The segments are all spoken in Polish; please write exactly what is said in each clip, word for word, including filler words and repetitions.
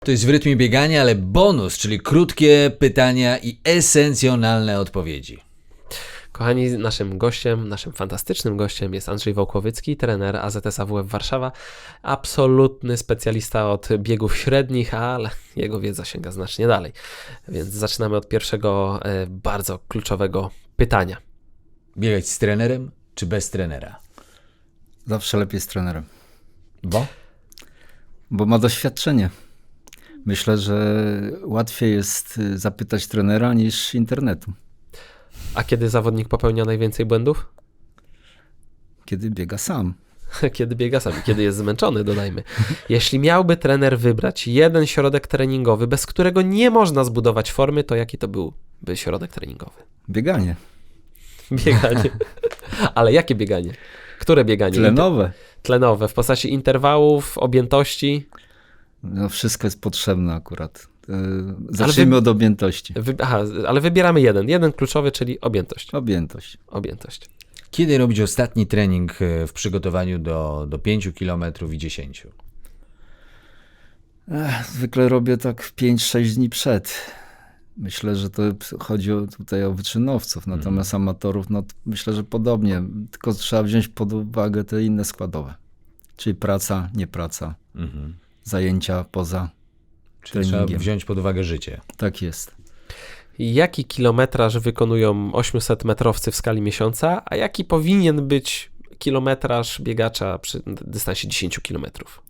To jest w rytmie biegania, ale bonus, czyli krótkie pytania i esencjonalne odpowiedzi. Kochani, naszym gościem, naszym fantastycznym gościem jest Andrzej Wałkowycki, trener A Z S A W F Warszawa. Absolutny specjalista od biegów średnich, ale jego wiedza sięga znacznie dalej. Więc zaczynamy od pierwszego e, bardzo kluczowego pytania. Biegać z trenerem czy bez trenera? Zawsze lepiej z trenerem. Bo? Bo ma doświadczenie. Myślę, że łatwiej jest zapytać trenera niż internetu. A kiedy zawodnik popełnia najwięcej błędów? Kiedy biega sam. Kiedy biega sam, kiedy jest zmęczony, dodajmy. Jeśli miałby trener wybrać jeden środek treningowy, bez którego nie można zbudować formy, to jaki to byłby środek treningowy? Bieganie. Bieganie. Ale jakie bieganie? Które bieganie? Tlenowe. Inter- tlenowe, w postaci interwałów, objętości. No wszystko jest potrzebne akurat. Yy, zacznijmy wy... od objętości. Wy... Aha, ale wybieramy jeden. Jeden kluczowy, czyli objętość. Objętość. Objętość. Kiedy robić ostatni trening w przygotowaniu do, do pięciu kilometrów i dziesięciu? Ech, zwykle robię tak pięć sześć dni przed. Myślę, że to chodzi o, tutaj o wyczynowców, natomiast mm. amatorów, no myślę, że podobnie. Tylko trzeba wziąć pod uwagę te inne składowe. Czyli praca, nie praca, mm-hmm. zajęcia poza Czyli treningiem. Trzeba wziąć pod uwagę życie. Tak jest. Jaki kilometraż wykonują ośmiuset metrowcy w skali miesiąca, a jaki powinien być kilometraż biegacza przy dystansie dziesięć kilometrów?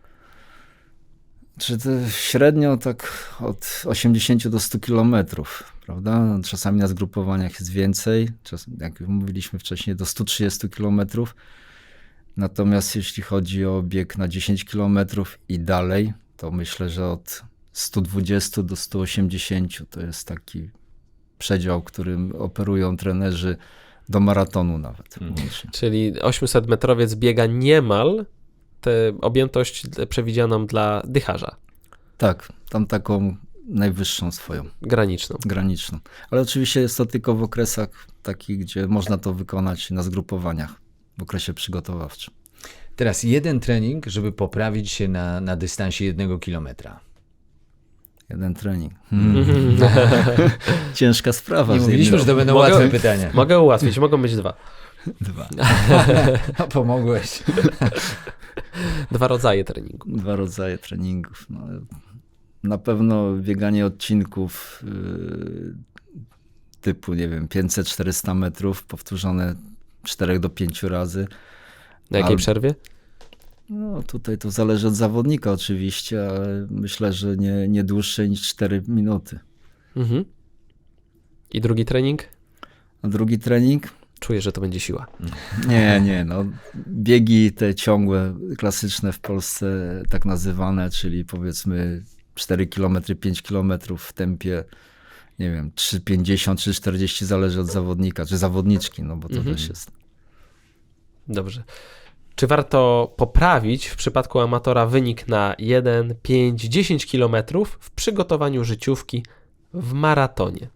Czy to średnio tak od osiemdziesięciu do stu kilometrów, prawda? Czasami na zgrupowaniach jest więcej, czas, jak mówiliśmy wcześniej, do stu trzydziestu kilometrów. Natomiast jeśli chodzi o bieg na dziesięć kilometrów i dalej, to myślę, że od stu dwudziestu do stu osiemdziesięciu to jest taki przedział, którym operują trenerzy do maratonu nawet. Hmm. Czyli ośmiuset metrowiec biega niemal tę objętość przewidzianą dla dycharza. Tak, tam taką najwyższą swoją. Graniczną. Graniczną. Ale oczywiście jest to tylko w okresach takich, gdzie można to wykonać na zgrupowaniach, w okresie przygotowawczym. Teraz jeden trening, żeby poprawić się na, na dystansie jednego kilometra. Jeden trening. Hmm. Ciężka sprawa. Nie mówiliśmy, że to będą mogę, łatwe pytania. Mogę ułatwić, mogą być dwa. Dwa. No, pomogłeś. Dwa rodzaje treningu. Dwa rodzaje treningów. No, na pewno bieganie odcinków yy, typu, nie wiem, pięćset czterysta metrów, powtórzone czterech do pięciu razy. Na jakiej Al... przerwie? No tutaj to zależy od zawodnika oczywiście, ale myślę, że nie, nie dłuższe niż cztery minuty. Mhm. I drugi trening? A drugi trening? Czuję, że to będzie siła. Nie, nie, no biegi te ciągłe, klasyczne w Polsce tak nazywane, czyli powiedzmy cztery kilometry, pięć kilometrów w tempie, nie wiem, trzy pięćdziesiąt, trzy czterdzieści, zależy od zawodnika, czy zawodniczki, no bo to mhm. też jest. Dobrze. Czy warto poprawić w przypadku amatora wynik na jeden, pięć, dziesięć kilometrów w przygotowaniu życiówki w maratonie?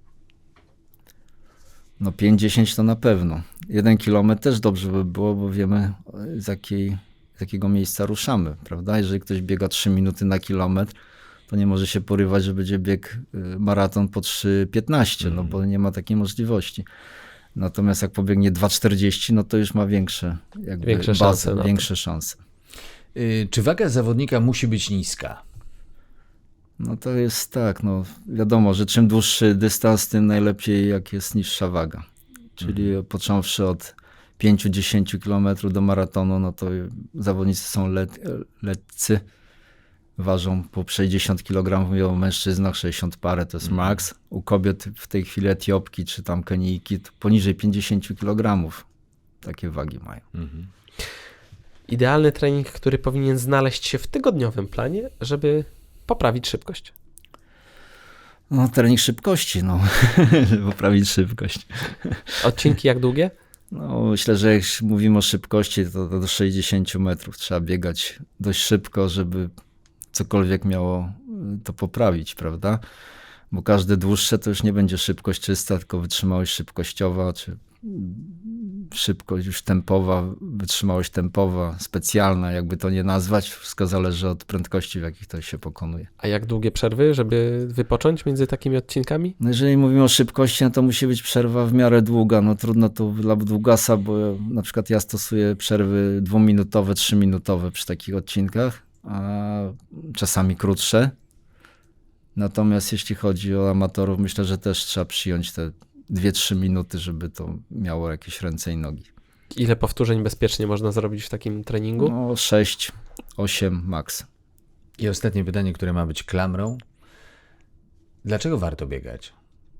No pięć dziesięć to na pewno. Jeden kilometr też dobrze by było, bo wiemy z, jakiej, z jakiego miejsca ruszamy, prawda? Jeżeli ktoś biega trzy minuty na kilometr, to nie może się porywać, że będzie bieg maraton po trzy piętnaście, mm. no bo nie ma takiej możliwości. Natomiast jak pobiegnie dwa czterdzieści, no to już ma większe, jakby większe bazę, szanse. Większe szanse. Yy, czy waga zawodnika musi być niska? No to jest tak, no wiadomo, że czym dłuższy dystans, tym najlepiej jak jest niższa waga. Czyli mhm. począwszy od pięć do dziesięciu kilometrów do maratonu, no to zawodnicy są let, letcy, ważą po sześćdziesiąt kilogramów, mówią o mężczyznach, sześćdziesiąt parę to jest mhm. maks. U kobiet w tej chwili Etiopki czy tam Kenijki to poniżej pięćdziesiąt kilogramów takie wagi mają. Mhm. Idealny trening, który powinien znaleźć się w tygodniowym planie, żeby poprawić szybkość. No trening szybkości, no, żeby poprawić szybkość. Odcinki jak długie? No myślę, że jak mówimy o szybkości, to, to do sześćdziesięciu metrów trzeba biegać dość szybko, żeby cokolwiek miało to poprawić, prawda? Bo każde dłuższe to już nie będzie szybkość czysta, tylko wytrzymałość szybkościowa, czy szybkość już tempowa, wytrzymałość tempowa, specjalna, jakby to nie nazwać. Wszystko zależy od prędkości, w jakich to się pokonuje. A jak długie przerwy, żeby wypocząć między takimi odcinkami? No jeżeli mówimy o szybkości, no to musi być przerwa w miarę długa. No trudno to dla długasa, bo na przykład ja stosuję przerwy dwuminutowe, trzyminutowe przy takich odcinkach, a czasami krótsze. Natomiast jeśli chodzi o amatorów, myślę, że też trzeba przyjąć te dwie trzy minuty, żeby to miało jakieś ręce i nogi. Ile powtórzeń bezpiecznie można zrobić w takim treningu? No sześć osiem max. I ostatnie pytanie, które ma być klamrą. Dlaczego warto biegać?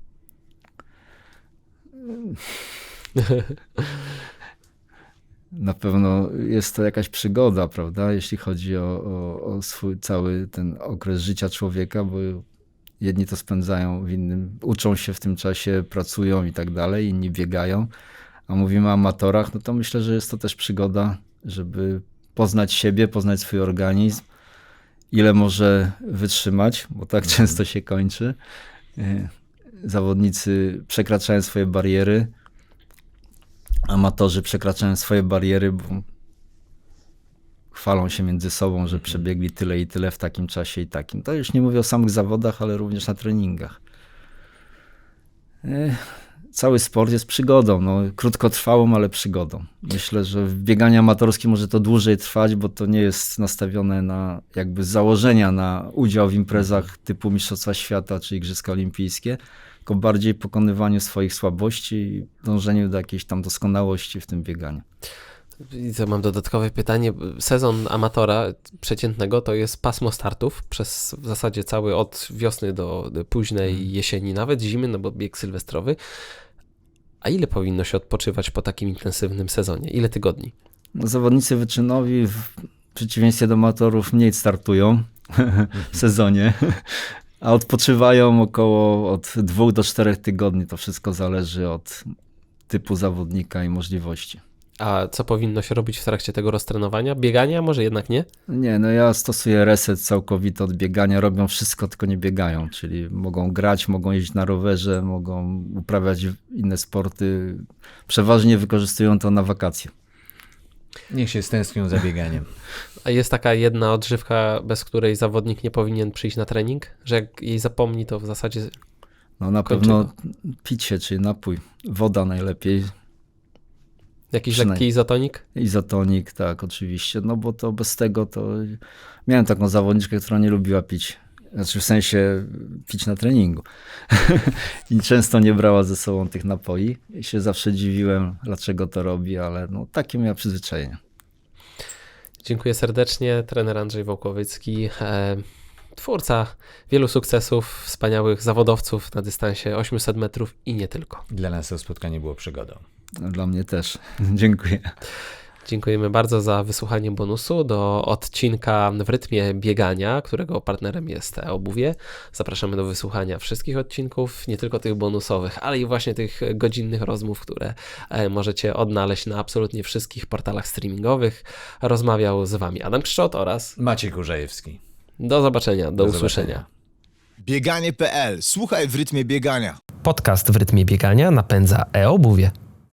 Na pewno jest to jakaś przygoda, prawda, jeśli chodzi o, o, o swój cały ten okres życia człowieka, bo jedni to spędzają w innym, uczą się w tym czasie, pracują i tak dalej, inni biegają, a mówimy o amatorach, no to myślę, że jest to też przygoda, żeby poznać siebie, poznać swój organizm, ile może wytrzymać, bo tak mhm. często się kończy. Zawodnicy przekraczają swoje bariery, amatorzy przekraczają swoje bariery, bo chwalą się między sobą, że przebiegli tyle i tyle w takim czasie i takim. To już nie mówię o samych zawodach, ale również na treningach. Cały sport jest przygodą, no, krótkotrwałą, ale przygodą. Myślę, że w bieganiu amatorskim może to dłużej trwać, bo to nie jest nastawione na jakby z założenia na udział w imprezach typu Mistrzostwa Świata czy Igrzyska Olimpijskie, tylko bardziej pokonywaniu swoich słabości i dążeniu do jakiejś tam doskonałości w tym bieganiu. I to mam dodatkowe pytanie. Sezon amatora przeciętnego to jest pasmo startów przez w zasadzie cały od wiosny do, do późnej jesieni, nawet zimy, no bo bieg sylwestrowy. A ile powinno się odpoczywać po takim intensywnym sezonie? Ile tygodni? No, zawodnicy wyczynowi w przeciwieństwie do amatorów mniej startują w sezonie, a odpoczywają około od dwóch do czterech tygodni. To wszystko zależy od typu zawodnika i możliwości. A co powinno się robić w trakcie tego roztrenowania? Biegania? Może jednak nie? Nie, no ja stosuję reset całkowity od biegania. Robią wszystko, tylko nie biegają. Czyli mogą grać, mogą jeździć na rowerze, mogą uprawiać inne sporty. Przeważnie wykorzystują to na wakacje. Niech się stęsknią za bieganiem. A jest taka jedna odżywka, bez której zawodnik nie powinien przyjść na trening? Że jak jej zapomni, to w zasadzie No na kończymy. pewno picie, czyli napój. Woda najlepiej. Jakiś Przynajmniej. lekki izotonik? Izotonik, tak, oczywiście, no bo to bez tego to... Miałem taką zawodniczkę, która nie lubiła pić, znaczy w sensie pić na treningu i często nie brała ze sobą tych napoi i się zawsze dziwiłem, dlaczego to robi, ale no takie miała przyzwyczajenie. Dziękuję serdecznie. Trener Andrzej Wołkowycki, e, twórca wielu sukcesów, wspaniałych zawodowców na dystansie osiemset metrów i nie tylko. Dla nas to spotkanie było przygodą. Dla mnie też. Dziękuję. Dziękujemy bardzo za wysłuchanie bonusu do odcinka w rytmie biegania, którego partnerem jest Obuwie. Zapraszamy do wysłuchania wszystkich odcinków, nie tylko tych bonusowych, ale i właśnie tych godzinnych rozmów, które możecie odnaleźć na absolutnie wszystkich portalach streamingowych. Rozmawiał z Wami Adam Krzczot oraz Maciej Kurzajewski. do zobaczenia, do, Do usłyszenia. zobaczenia. Bieganie kropka pe el. Słuchaj w rytmie biegania. Podcast w rytmie biegania napędza e-obuwie.